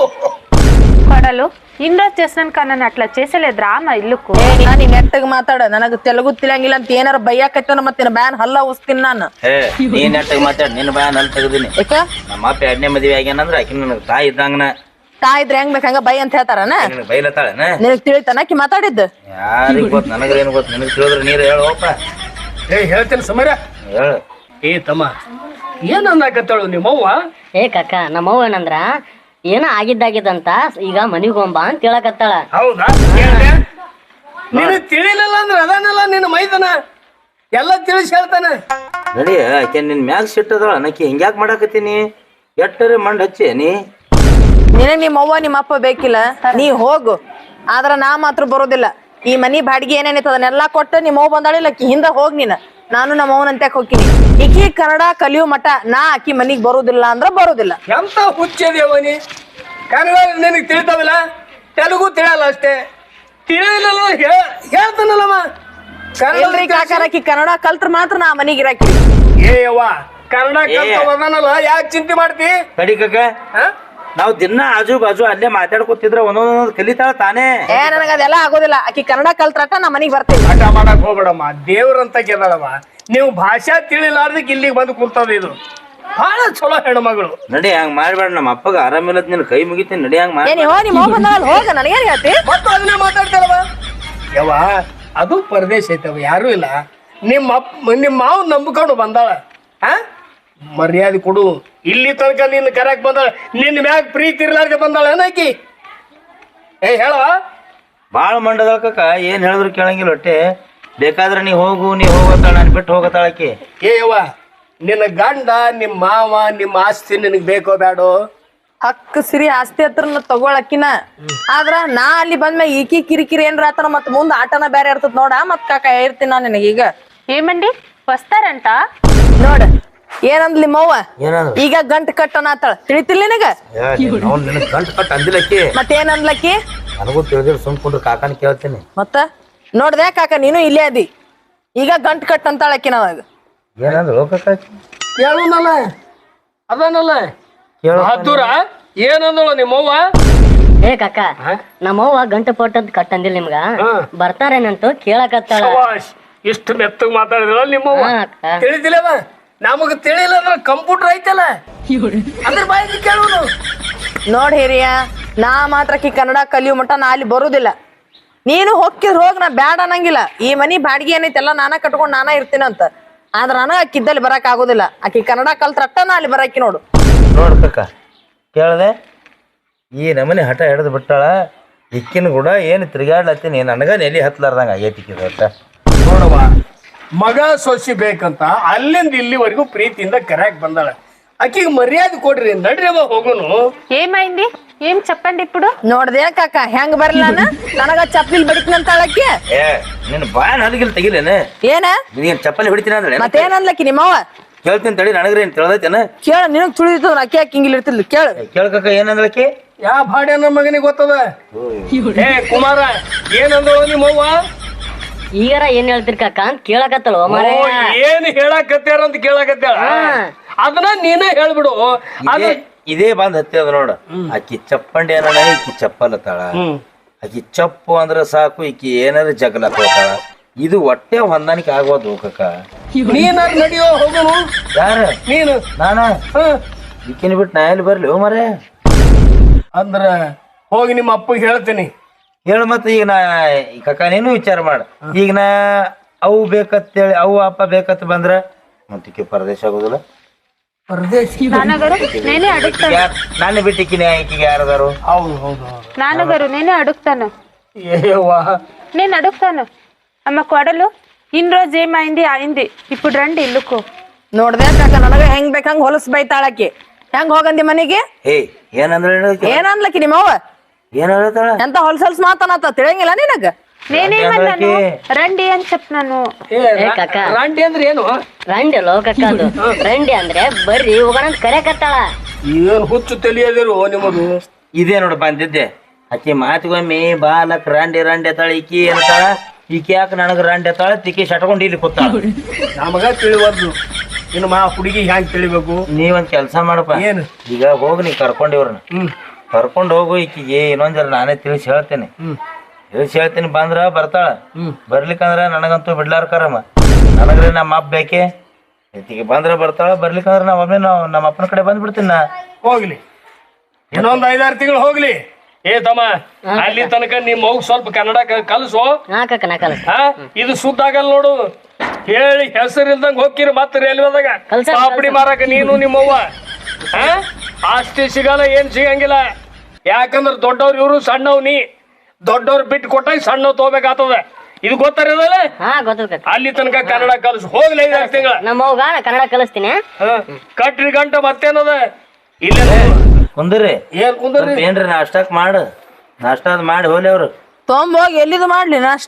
Speaker 3: కొడలు ఇండో చేసిన కన్నా అట్లా చేసలేదురా మా ఇల్లుకు.
Speaker 1: ನೀ ನೆಟ್ಟಗ್ ಮಾತಾಡ, ನನಗ ತೆಲುಗು ತಿಳಿಯಂಗಿಲ್ಲ ಅಂತ ಏನಾರ ಬೈಯಾಕತ್ತನ ಮತ್ತೆ ಬ್ಯಾನ್ ಹಲ್ಲ ಉಸ್ತೀನಿ ನಾನು.
Speaker 2: ನೀನ್ ನೆಟ್ಟಾಗ ಮಾತಾಡ, ನಿನ್ನ ಬ್ಯಾನ್ ಅಲ್ಲಿ ತೆಗದೀನಿ.
Speaker 1: ಯಾಕ?
Speaker 2: ನಮ್ಮ ಅಪ್ಪ 2ನೇ ಮದ್ವೆ ಆಗ್ಯಾನಂದ್ರ ಆಕಿ ನನಗ ತಾಯಿ ಇದ್ದಂಗನ.
Speaker 1: ತಾ ಇದ್ರೆ ಹೆಂಗ್ ಬೇಕಂಗ ಬೈ ಅಂತ ಹೇಳ್ತಾರನ?
Speaker 2: ನಿನಗ ಬೈಲತ್ತಾಳನ?
Speaker 1: ನಿನಗ್ ತಿಳಿತಾನ ಆಕಿ ಮಾತಾಡಿದ್ದು?
Speaker 2: ಯಾರಿಗ್ ಗೊತ್ತ, ನನಗೇನು ಗೊತ್ತ. ನಿನಗ್ ತಿಳಿದ್ರ ನೀರು ಹೇಳೋಪ್ಪ.
Speaker 4: ಹೇಳ್ತೇನೆ ಸಮರ.
Speaker 2: ಹೇಳು.
Speaker 4: ಏ ತಮ್ಮ, ಏನನ್ನಾಕತ್ತಾಳು ನಿಮ್ಮವ್ವ?
Speaker 5: ಏ ಕಾಕ, ನಮ್ಮವ್ವ ಏನಂದ್ರ ಏನೋ ಆಗಿದ್ದಾಗಿದಂತ ಈಗ ಮನಿಗ್ ಹೋಗ್ಬಾ ಅಂತ ಹೇಳಕತ್ತಾಳ.
Speaker 4: ಹೌದಾ? ನೀನು ತಿಳಿಲಿಲ್ಲ ಅಂದ್ರೆ ಅದಾನಲ್ಲ ನಿನ್ನ ಮೈದನ ಎಲ್ಲ ತಿಳಿಸಿ ಹೇಳ್ತಾನೆ.
Speaker 2: ನಡಿ, ಆಕೆ ನಿನ್ ಮ್ಯಾಗ ಸಿಟ್ಟದಳ. ನಕ್ಕಿ ಹಿಂಗ್ಯಾಕ್ ಮಾಡಾಕತ್ತೀನಿ? ಎಟ್ಟರೆ ಮಂಡ್ ಹಚ್ಚಿ ನೀ.
Speaker 1: ನಿನಗ್ ನಿಮ್ಮ ಅವ್ವ ನಿಮ್ಮ ಅಪ್ಪ ಬೇಕಿಲ್ಲ, ನೀ ಹೋಗು. ಆದ್ರ ನಾ ಮಾತ್ರ ಬರೋದಿಲ್ಲ. ಈ ಮನಿ ಬಾಡಿಗೆ ಏನೇನೈತ ಅದನ್ನೆಲ್ಲಾ ಕೊಟ್ಟು ನಿಮ್ಮ ಅವ್ವ ಬಂದಾಳಿಲ್ಲ, ಆಕಿ ಹಿಂದ ಹೋಗ್ ನೀನ್. ನಾನು ನಮ್ಮ ಅವ್ವನಂತೆ ಹೋಗ್ತೀನಿ. ಈಕಿ ಕನ್ನಡ ಕಲಿಯೋ ಮಠ ನಾ ಆಕಿ ಮನಿಗ್ ಬರೋದಿಲ್ಲ ಅಂದ್ರ ಬರೋದಿಲ್ಲ.
Speaker 4: ಎಂತ ಹುಚ್ಚದೇವನಿ. ಕನ್ನಡ ನಿನಗೆ ತಿಳಿತಾವಿಲ್ಲ, ತೆಲುಗು ತಿಳಿಯಲ್ಲ ಅಷ್ಟೇ. ತಿಳಿಲಿಲ್ಲ ಹೇಳ್ತಾನಲ್ಲಮ್ಮ.
Speaker 1: ಇಲ್ರಿ ಕಾಕಾರ, ಆಕಿ ಕನ್ನಡ ಕಲ್ತ್ರ ಮಾತ್ರ ನಾ ಮನಿಗ್ ಇರಾಕಿ.
Speaker 4: ಏ ಯವ್ವ, ಕನ್ನಡ ಕಲ್ತವನಲ್ಲ, ಯಾಕೆ ಚಿಂತೆ ಮಾಡ್ತಿ?
Speaker 2: ಕಡಿ ಕಾಕ, ನಾವ್ ದಿನ ಆಜು ಬಾಜು ಅಲ್ಲೇ ಮಾತಾಡ್ಕೊತಿದ್ರ ಒಂದೊಂದ್ ಕಲಿತಾಳ ತಾನೇ.
Speaker 1: ನನಗ ಅದೆಲ್ಲ ಆಗೋದಿಲ್ಲ. ಆಕಿ ಕನ್ನಡ ಕಲ್ತ್ರಟ ನಾ ಮನಿಗ್ ಬರ್ತೀನಿ.
Speaker 4: ಆಟ ಮಾಡಕ್ ಹೋಗ್ಬೇಡಮ್ಮ, ದೇವ್ರಂತ ಕೇಳಮ್ಮ. ನೀವು ಭಾಷಾ ತಿಳಿಲಾರ್ದಕ್ ಇಲ್ಲಿಗೆ ಬಂದು ಕುಂತದ. ಇದು ಬಹಳ ಚಲೋ ಹೆಣ್ಮಗಳು.
Speaker 2: ನಡಿ, ಹಂಗ್ ಮಾಡ್ಬೇಡ. ನಮ್ಮ ಅಪ್ಪಗ ಆರಾಮಿಲ್ಲತ್ ನಿನ್ ಕೈ ಮುಗಿತೀನಿ. ನಡಿ, ಹಂಗ್ ಮಾಡಿ.
Speaker 1: ನಿಮ್ಮ ಅವ್ವ ಬಂದಾಳ, ಹೋಗ. ನನಗೇನ್ ಹೇಳ್ತಿ?
Speaker 4: ಮತ್ತು ಅದನ್ನೇ ಮಾತಾಡ್ತಾರವ. ಯವ್ವ, ಅದು ಪರದೇಶ ಐತವ, ಯಾರು ಇಲ್ಲ. ನಿಮ್ಮ ಮಾವು ನಂಬಿಕೊಂಡು ಬಂದಾಳ. ಮರ್ಯಾದೆ ಕೊಡು. ಇಲ್ಲಿ ತನಕ ನಿನ್ನ ಕರೆಕ್ ಬಂದಾಳ, ನಿನ್ನ ಮ್ಯಾಗ ಪ್ರೀತಿ ಇರ್ಲಾರ್ದೆ ಬಂದಾಳ ಏನಾಕಿ? ಏ ಹೇಳವ.
Speaker 2: ಬಾಳ ಮಂಡದಳ ಕಾಕ, ಏನ್ ಹೇಳಿದ್ರು ಕೇಳಂಗಿಲ್ಲ ಹೊಟ್ಟೆ. ಬೇಕಾದ್ರೆ ನೀ ಹೋಗತ್ತಾಳ, ನಾನು ಬಿಟ್ಟು ಹೋಗತ್ತಾಳ ಆಕಿ.
Speaker 4: ಏ ಯವ್ವ, ನಿನ್ನ ಗಂಡ, ನಿಮ್ಮ ಮಾವ, ನಿಮ್ಮ ಆಸ್ತಿ ನಿನಗ್ ಬೇಕೋ ಬೇಡೋ?
Speaker 1: ಹಕ್ಕ ಸಿರಿ ಆಸ್ತಿ ಹತ್ರ ತಗೊಳಕಿನ. ಆದ್ರ ನಾ ಅಲ್ಲಿ ಬಂದ್ಮೇಲೆ ಈಕಿ ಕಿರಿಕಿರಿ ಏನ್ರ ಆತನ ಮತ್ ಮುಂದ್ ಆಟನ ಬೇರೆ ಇರ್ತದ ನೋಡ. ಮತ್ ಕಾಕ ಹೇಳ್ತೀನಿ ನಾ ನಿನಗೀಗ.
Speaker 3: ఏమండి వస్తారంట?
Speaker 1: ನೋಡ ಏನಂದ್ಲಿ ನಿಮ್ಮವ್ವ,
Speaker 2: ಏನಂದ್ರ?
Speaker 1: ಈಗ ಗಂಟ್ ಕಟ್ಟನ ಆತಾಳ. ತಿಳಿತಿಲ್ಲ ನಿನಗ?
Speaker 2: ನಿನಗ್ ಗಂಟು ಕಟ್ ಅಂದಿಲ್ಲಕ್ಕಿ.
Speaker 1: ಮತ್ತೇನಂದ್ಲಕ್ಕಿ?
Speaker 2: ನನಗೂ ತಿಳಿದಿಲ್ಲ, ಸುಮ್ಕೊಂಡ್ರು ಕಾಕನ ಕೇಳ್ತೀನಿ.
Speaker 1: ಮತ್ತ ನೋಡ್ದೆ ಕಾಕ, ನೀನು ಇಲ್ಲೇ ಅದಿ. ಈಗ ಗಂಟ್ ಕಟ್ ಅಂತಾಳಕ್ಕಿ ನಾವಾಗ.
Speaker 2: ಏನಂದ್ರು ಕಾಕ?
Speaker 4: ಕೇಳೋನಲ್ಲ, ಅದನ್ನಲ್ಲ ಹತ್ತೂರ ಏನಂದಳು ನಿಮ್ಮವ್ವ?
Speaker 5: ಏ ಕಾಕ, ನಮ್ಮವ್ವ ಗಂಟು ಪೋಟದ್ ಕಟ್ಟಂದಿಲ್ಲ ನಿಮ್ಗ, ಬರ್ತಾರೇನಂತ ಕೇಳಕತ್ತಾಳ.
Speaker 4: ಇಷ್ಟು ಮೆತ್ತಗ್ ಮಾತಾಡಿದ್ರ ನಿಮ್ಮವ್ವ. ತಿಳಿದಿಲ್ಲವ? ನಮಗ್ ತಿಳಿಲ್ಲ ಅಂದ್ರೆ ಕಂಪ್ಯೂಟರ್ ಐತಲ್ಲ, ಅದ್ರ ಬಾಯಿಗೆ ಕೇಳೋನು.
Speaker 1: ನೋಡ್ ಹಿರಿಯ, ನಾ ಮಾತ್ರಕಿ ಕನ್ನಡ ಕಲಿಯೋ ಮಟ್ಟ ನಾ ಅಲ್ಲಿ ಬರುದಿಲ್ಲ. ನೀನು ಹೋಗಿದ್ ಹೋಗ್, ನಾ ಬ್ಯಾಡ ಅನ್ನಂಗಿಲ್ಲ. ಈ ಮನಿ ಬಾಡಿಗೆ ಏನೈತೆಲ್ಲ ನಾನ ಕಟ್ಕೊಂಡ್ ನಾನ ಇರ್ತೀನಂತ. ಆದ್ರ ನನಗ ಅಕ್ಕಿದ್ದಲ್ಲಿ ಬರಕ್ ಆಗೋದಿಲ್ಲ. ಆಕಿ ಕನ್ನಡ ಕಲ್ತ್ರಟ್ಟ ನಾ ಅಲ್ಲಿ ಬರಾಕಿ ನೋಡು.
Speaker 2: ನೋಡ್ ಕಾಕ, ಕೇಳದೆ ಈ ನಮನಿ ಹಠ ಹಿಡಿದು ಬಿಟ್ಟಾಳ. ಇಕ್ಕಿನ ಕೂಡ ಏನು ತಿರುಗಾಡ್ಲತ್ತೀನಿ, ನನಗ ನೆಲಿ ಹತ್ಲಾರ್ದಂಗ ಆಗೈತಿ.
Speaker 4: ನೋಡವ್ವ, ಮಗ ಸೊಸಿ ಬೇಕಂತ ಅಲ್ಲಿಂದ ಇಲ್ಲಿವರೆಗೂ ಪ್ರೀತಿಯಿಂದ ಕರೆಯಾಕ್ ಬಂದಾಳ. ಆಕಿಗೆ ಮರ್ಯಾದೆ ಕೊಡ್ರಿ, ನಡ್ರಿ ಅವ ಹೋಗೋನು.
Speaker 3: ఏమైంది? ఏం చెప్పండి ఇప్పుడు
Speaker 1: ನೋಡ್ದೆ ಕಾಕ ಹೆಂಗ್ ಬರ್ಲ ನನಗ ಚಪ್ಪಲಿ ಬಡಿತೀನಂತ ಹೇಳಕ್ಕೆ
Speaker 2: ಏ ನಿನ್ನ ಬಾಯ ನನಗಿಲ್ ತೆಗಿಲೇನೆ
Speaker 1: ಏನ
Speaker 2: ನೀನ್ ಚಪ್ಪಲಿ ಹೊಡಿತೀನಿ ಅಂದ್ರೆ
Speaker 1: ಮತ್ತೇನ್ ಅನ್ಲಕ್ಕಿ ನಿಮ್ಮವ್ವ
Speaker 2: ಕೇಳ್ತೀನಿ ತಡಿ ನನಗ್ರಿ ಏನ್ ತಿಳಿದೈತೇನ
Speaker 1: ಕೇಳ ನಿನಗ್ ತುಳಿದಿತ್ತು ಅಕ್ಕಿ ಹಾಕಿ ಹಿಂಗಿಲ್ ಇರ್ತಿದ್ಲು ಕೇಳ
Speaker 2: ಕೇಳ್ಕಕ್ಕ ಏನಂದ್ಲಕ್ಕಿ
Speaker 4: ಯಾ ಭಾಡ್ಯ ನಮ್ಮ ಮಗನಿಗೆ ಗೊತ್ತದ ಏ ಕುಮಾರ ಏನಂದ್ರು ನಿಮ್ಮವ್ವ
Speaker 5: ಈಗಾರ ಏನ್ ಹೇಳ್ತಿರ್ ಕಾಕ ಅಂತ ಕೇಳಕತ್ತಲ್ವ ಮಾರ
Speaker 4: ಓ, ಏನ್ ಹೇಳಕತ್ಯಾರ ಅಂತ ಕೇಳಕತ್ಯಾಳ ಅದನ್ನ ನೀನೇ ಹೇಳ್ಬಿಡು ಅದು
Speaker 2: ಇದೇ ಬಂದ್ ಹತ್ತಿ ಅದ ನೋಡ ಆಕಿ ಚಪ್ಪಂಡಿ ಏನ ಈಕಿ ಚಪ್ಪಲ್ ಅತ್ತಾಳ ಆಕಿ ಚಪ್ಪು ಅಂದ್ರ ಸಾಕು ಈಕಿ ಏನಾರ ಜಗಲ ಹೋಗ್ತಾಳ ಇದು ಹೊಟ್ಟೆ ಹೊಂದಾಣಿಕೆ ಆಗೋದು ಕಕ್ಕ
Speaker 4: ನೀನಾರ ನಡಿಯೋ ಹೋಗುನು
Speaker 2: ಯಾರ
Speaker 4: ನೀನು
Speaker 2: ನಾನ ಈಕಿನ ಬಿಟ್ಟು ನಾ ಎಲ್ಲಿ ಬರ್ಲಿ ಮರೆ
Speaker 4: ಅಂದ್ರ ಹೋಗಿ ನಿಮ್ಮ ಅಪ್ಪಗೆ ಹೇಳ್ತೀನಿ
Speaker 2: ಹೇಳು ಮತ್ತೆ ಈಗ ನಾ ಕಕ್ಕ ನೀನು ವಿಚಾರ ಮಾಡ ಈಗ ನಾ ಅವು ಬೇಕತ್ತೇಳಿ ಅವು ಅಪ್ಪ ಬೇಕತ್ ಬಂದ್ರ ಮತ್ತಿಕ್ಕೆ ಪರದೇಶ ಆಗೋದಿಲ್ಲ
Speaker 3: నాన్నగారు నేనే అడుగుతాను
Speaker 2: ನಾನು ಬಿಟ್ಟಿಕ್ಕಿನಿ ಈಕಿಗೆ ಯಾರದಾರು
Speaker 4: ಹೌದು ಹೌದು ಹೌದು
Speaker 3: నాన్నగారు నేనే అడుగుతాను
Speaker 4: ఏవ్వా
Speaker 3: నేను అడుగుతాను అమ్మ కొడలు ఇన్ని రోజు ఏమైంది అయింది ఇప్పుడు రండి ఇల్లుకు
Speaker 1: ನೋಡ್ದೆ ಕಾಕ ನನಗ ಹೆಂಗ್ ಬೇಕಂಗ್ ಹೊಲಸ್ ಬೈತಾಳಕಿ ಹೆಂಗ್ ಹೋಗಂದಿ ಮನಿಗೆ
Speaker 2: ಏ ಏನಂದ್ರೆ
Speaker 1: ಏನ್ ಅನ್ಲಕ್ಕಿ ನಿಮ್ಮವ್ವ
Speaker 2: ಏನ್ ಹೇಳ್ತಾಳ
Speaker 1: ಎಂತ ಹೊಲ್ಸಲ್ಸ್ ಮಾತನಾತ ತಿಳಿಯಂಗಿಲ್ಲ ನಿನಗ
Speaker 3: నేనేమన్నాను రండి అని చెప్పినాను
Speaker 4: ಏ
Speaker 5: ಕಾಕ.
Speaker 4: ರಾಂಡಿ ಅಂದ್ರೆ ಏನು
Speaker 5: ರಂಡಿ ಅಲ್ಲೋ ಕಕ್ಕ ಅದು ರಂಡಿ ಅಂದ್ರೆ ಬರ್ರಿ ಹೋಗೋಣ ಅಂತ ಕರೆಕತ್ತಾಳ
Speaker 4: ಏನ್ ಹುಚ್ಚು ತಿಳಿಯದಿರು ನಿಮ್ಮದು
Speaker 2: ಇದೇ ನೋಡು ಬಂದಿದ್ದೆ ಆಕಿ ಮಾತಿಗೊಮ್ಮೆ ಬಾಲಕ್ ರಾಂಡಿ ರಾಂಡಿ ಅತ್ತಾಳ ಈಕಿ ಏನತ್ತಾಳ ಈಕಿ ಯಾಕೆ ನನಗ ರಾಂಡಿ ಅತ್ತಾಳ ತಿಕ್ಕಿ ಶಟ್ಕೊಂಡು ಇಲ್ಲಿ ಕೂತಾಳ
Speaker 4: ನಮಗ ತಿಳಿವಲ್ದು ಇನ್ನು ಮಾ ಹುಡುಗಿ ಹ್ಯಾಂಗ್ ತಿಳಿಬೇಕು
Speaker 2: ನೀವೊಂದ್ ಕೆಲ್ಸ ಮಾಡಪ್ಪ
Speaker 4: ಏನು
Speaker 2: ಈಗ ಹೋಗಿ ನೀ ಕರ್ಕೊಂಡಿವ್ರನ್ನ ಕರ್ಕೊಂಡು ಹೋಗು ಈಕಿಗೆ ಇನ್ನೊಂದ್ ಜರ ನಾನೇ ತಿಳಿಸಿ ಹೇಳ್ತೇನೆ ತಿಳಿಸಿ ಹೇಳ್ತೀನಿ ಬಂದ್ರ ಬರ್ತಾಳ ಬರ್ಲಿಕ್ಕಂದ್ರ ನನಗಂತೂ ಬಿಡ್ಲಾರ ಕರಮ್ಮ ನನಗ್ರೆ ನಮ್ಮ ಅಪ್ಪ ಬೇಕೆ ಈಕಿಗೆ ಬಂದ್ರ ಬರ್ತಾಳ ಬರ್ಲಿಕ್ಕಂದ್ರ ನಮ್ಮ ಅಪ್ಪನ ಕಡೆ ಬಂದ್ಬಿಡ್ತೀನಿ ನಾ
Speaker 4: ಹೋಗ್ಲಿ ಇನ್ನೊಂದ್ 5-6 ತಿಂಗಳು ಹೋಗ್ಲಿ ಏ ತಮ್ಮ ಅಲ್ಲಿ ತನಕ ನಿಮ್ ಮಗು ಸ್ವಲ್ಪ ಕನ್ನಡ ಕಲಿಸು
Speaker 5: ಹಾ ಕಾಕ ನಾ ಕಲಸ
Speaker 4: ಹಾ ಇದು ಸುದ್ದ ಆಗಲ್ಲ ನೋಡು ಹೇಳಿ ಹೆಸರಿಲ್ದಂಗ ಹೋಗ್ಕಿರಿ ಮತ್ತೆ ರೈಲ್ವೆದಾಗ
Speaker 5: ಕಲ್ಸ-
Speaker 4: ಪಾಪಡಿ ಮಾರಕ ನೀನು ನಿಮ್ಮವ್ವ ಹಾ ಆಸ್ತಿ ಸಿಗಲ್ಲ ಏನ್ ಸಿಗಂಗಿಲ್ಲ ಯಾಕಂದ್ರ ದೊಡ್ಡವ್ರು ಇವ್ರು ಸಣ್ಣವ್ ನೀ ದೊಡ್ಡವ್ರು ಬಿಟ್ಟು ಕೊಟ್ಟಾಗ ಸಣ್ಣವ್ ತಗೋಬೇಕಾಗ್ತದ ಇದು ಗೊತ್ತಾರದಲ್ಲ
Speaker 5: ಹಾ ಗೊತ್ತದ ಕಾಕ
Speaker 4: ಅಲ್ಲಿ ತನಕ ಕನ್ನಡ ಕಲಿಸು ಹೋಗ್ಲಿ 5-6 ತಿಂಗಳ
Speaker 5: ನಮ್ಮ ಅವ್ಗ ಕನ್ನಡ ಕಲಿಸ್ತೀನಿ
Speaker 4: ಕಟ್ರಿ ಗಂಟ ಮತ್ತೇನದ ಇಲ್ಲ
Speaker 2: ಕುಂದ್ರಿ
Speaker 4: ಏನ್ ಕುಂದ್ರಿ
Speaker 2: ಸ್ವಲ್ಪ ಏನ್ರಿ ನಾಷ್ಟಾಕ್ ಮಾಡು ನಾಷ್ಟಾದ್ ಮಾಡಿ ಹೋಲಿ ಅವ್ರು
Speaker 1: ತೊಂಬೋಗಿ ಎಲ್ಲಿದು ಮಾಡ್ಲಿ ನಾಷ್ಟ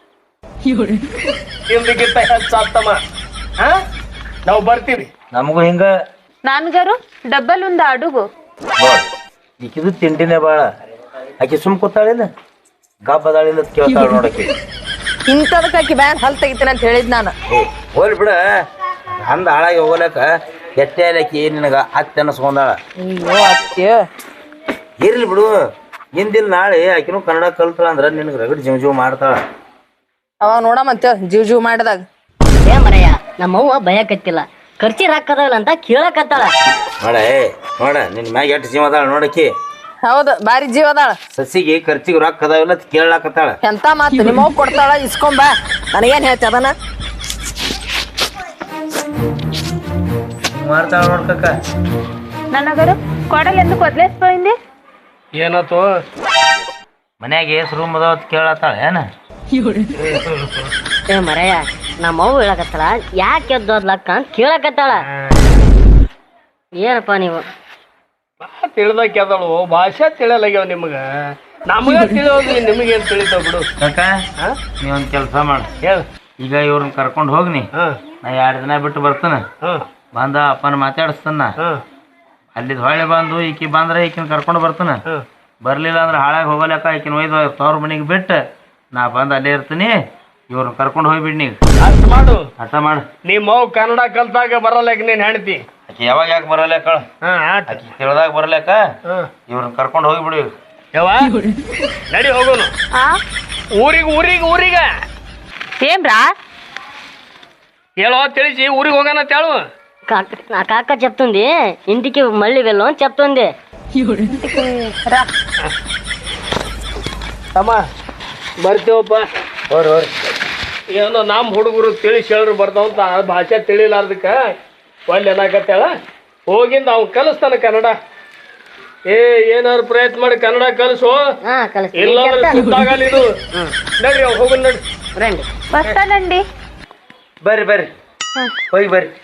Speaker 4: ನಿಮ್ದಕ್ಕಿಂತ ಹೆಚ್ಚಾಗ್ತಮ್ಮ ಹಾ ನಾವು ಬರ್ತೀವಿ
Speaker 2: ನಮಗೂ ಹಿಂಗ
Speaker 3: నాన్నగారు డబ్బలు ఉందా అడుగు
Speaker 2: ನೋಡ್ ಈಕಿದು ತಿಂಡಿನೇ ಬಾಳ ಆಕಿ ಸುಮ್ ಕೂತಾಳಿಲ್ಲ ಗಬ್ಬದಾಳಿಲ್ಲ ಕೇಳ್ತಾಳ ನೋಡಕಿ
Speaker 1: ಇಂಥದಕ್ಕೆ ಆಕಿ ಬ್ಯಾನ್ ಹಲ್ ತೆಗಿತೀನಿ ಅಂತ ಹೇಳಿದ್ ನಾನು
Speaker 2: ಹೋಲಿ ಬಿಡ ಅಂದ ಹಾಳಾಗಿ ಹೋಗ್ಲಕ್ಕ ಎಟ್ಟೆ ಆಕಿ ನಿನಗ ಹತ್ತಿ ಅನ್ನಿಸ್ಕೊಂಡಾಳ
Speaker 1: ಅಯ್ಯೋ ಅತ್ಯ
Speaker 2: ಇರ್ಲಿ ಬಿಡು ಹಿಂದಿಲ್ ನಾಳೆ ಆಕಿನೂ ಕನ್ನಡ ಕಲ್ತಾಳ ಅಂದ್ರ ನಿನಗ ರಗಡ್ ಜೀವ್ ಮಾಡ್ತಾಳ
Speaker 1: ಅವಾಗ ನೋಡಮಂತ ಜೀವ್ ಮಾಡಿದಾಗ
Speaker 5: ಏ ಮರಯ್ಯ ನಮ್ಮ ಅವ್ವ ಭಯಕತ್ತಿಲ್ಲ ಖರ್ಚಿ ಹಾಕದಲ್ಲ ಅಂತ ಕೇಳಕತ್ತಾಳ
Speaker 2: ನೋಡ ನಿನ್ ಮ್ಯಾಗ ಎಷ್ಟು ಜೀವ ಅದಾಳ ನೋಡಕಿ
Speaker 1: ಹೌದು ಬಾರಿ ಜೀವ ಅದಾಳ
Speaker 2: ಸಸಿಗೆ ಖರ್ಚಿಗೆ ರೊಕ್ಕ ಅದಾವಿಲ್ಲ ಅಂತ ಕೇಳಾಕತ್ತಾಳ
Speaker 1: ಎಂತ ಮಾತು ನಿಮ್ಮವ್ ಕೊಡ್ತಾಳ ಇಸ್ಕೊಂಬ ನನಗೇನ್ ಹೇಳ್ತಿ ಅದನ್ನ
Speaker 2: ಮಾಡ್ತಾಳ ನೋಡ್ಕಕ್ಕ
Speaker 3: నాన్నగారు కొడలు ఎందుకు వదిలేసిపోయింది
Speaker 4: ಏನಾತು
Speaker 2: ಮನ್ಯಾಗ ಏಸ್ ರೂಮ್ ಅದಾವ ಅಂತ ಕೇಳತ್ತಾಳ ಏನ
Speaker 5: ಏ ಮರಯ್ಯ ನಮ್ಮ ಅವ್ವ ಹೇಳಕತ್ತಾಳ ಯಾಕೆ ಎದ್ದೋದ್ಲಕ್ಕ ಅಂತ ಕೇಳಕತ್ತಾಳ ಏನಪ್ಪ ನೀವು
Speaker 4: ತಿಳಿದಕ್ಕೆ ಅದಳು ಭಾಷೆ ತಿಳಿಯಲಾಗ್ಯಾವ ನಿಮಗ ನಮಗ ತಿಳಿಯೋದು ನಿಮಗೇನ್ ತಿಳಿತಾವ ಬಿಡು
Speaker 2: ಕಕ್ಕ ನೀವೊಂದ್ ಕೆಲ್ಸ ಮಾಡ
Speaker 4: ಹೇಳ
Speaker 2: ಈಗ ಇವ್ರನ್ನ ಕರ್ಕೊಂಡು ಹೋಗ್ನಿ ನಾ 2 ದಿನ ಬಿಟ್ಟು ಬರ್ತಾನ ಬಂದ ಅಪ್ಪನ ಮಾತಾಡಿಸ್ತಾನ ಅಲ್ಲಿದ್ ಹೊಳೆ ಬಂದು ಈಕಿ ಬಂದ್ರ ಈಕಿನ ಕರ್ಕೊಂಡು ಬರ್ತಾನ ಬರ್ಲಿಲ್ಲ ಅಂದ್ರೆ ಹಾಳಾಗಿ ಹೋಗಲಕ್ಕ ಈಕಿನ ಒಯ್ದು ತವ್ರ ಮನೆಗೆ ಬಿಟ್ಟು ನಾ ಬಂದು ಅಲ್ಲೇ ಇರ್ತೀನಿ ಇವ್ರನ್ನ ಕರ್ಕೊಂಡು ಹೋಗ್ಬಿಡ್ನಿ
Speaker 4: ಅಷ್ಟ್ ಮಾಡು
Speaker 2: ಅರ್ಥ ಮಾಡು
Speaker 4: ನಿಮ್ಮ ಮಗು ಕನ್ನಡ ಕಲ್ತಾಗ ಬರಲ್ಲ ನೀನ್ ಹೆಣ್ತಿ
Speaker 2: ಆಕಿ ಯಾವಾಗ ಯಾಕೆ ಬರಲ್ಯಾಕ ಆಕಿ ತಿಳಿದಾಗ ಬರಲ್ಯಾಕ ಇವ್ರನ್ನ ಕರ್ಕೊಂಡು ಹೋಗಿಬಿಡು ಈಗ
Speaker 4: ಯಾವ ನಡಿ ಹೋಗೋನು ಊರಿಗೆ
Speaker 3: ఏమ్రా
Speaker 4: ಹೇಳೋ ತಿಳಿಸಿ ಊರಿಗೆ ಹೋಗೋಣ ತೇಳು
Speaker 5: నా కాక చెప్తుంది ఇంటికి మళ్ళీ వెళ్ళు అని చెప్తుంది
Speaker 4: ತಮ್ಮ ಬರ್ತೀವಪ್ಪ
Speaker 2: ಹೋರಿ
Speaker 4: ಏನೋ ನಮ್ಮ ಹುಡುಗರು ತಿಳಿಸಿ ಹೇಳ್ರು ಬರ್ತಾವಂತ ಆ ಭಾಷೆ ತಿಳಿಲಾರ್ದಕ್ಕ ಒಳ್ಳೆ ಏನಾಗತ್ತೇಳ ಹೋಗಿಂದ ಅವ್ನು ಕಲಿಸ್ತಾನ ಕನ್ನಡ ಏನಾದ್ರು ಪ್ರಯತ್ನ ಮಾಡಿ ಕನ್ನಡ ಕಲಿಸು
Speaker 5: ಹಾ ಕಲಿಸ್ತೀನಿ
Speaker 4: ಇಲ್ಲಾಂದ್ರೆ ಸುತ್ತಾಗಲ್ಲ ಇದು ನಡ್ರಿ ಹೋಗೋಣ ನಡ್ರಿ
Speaker 5: ರಂడి
Speaker 3: వస్తానండి
Speaker 2: ಬರ್ರಿ ಹೋಗಿ ಬರ್ರಿ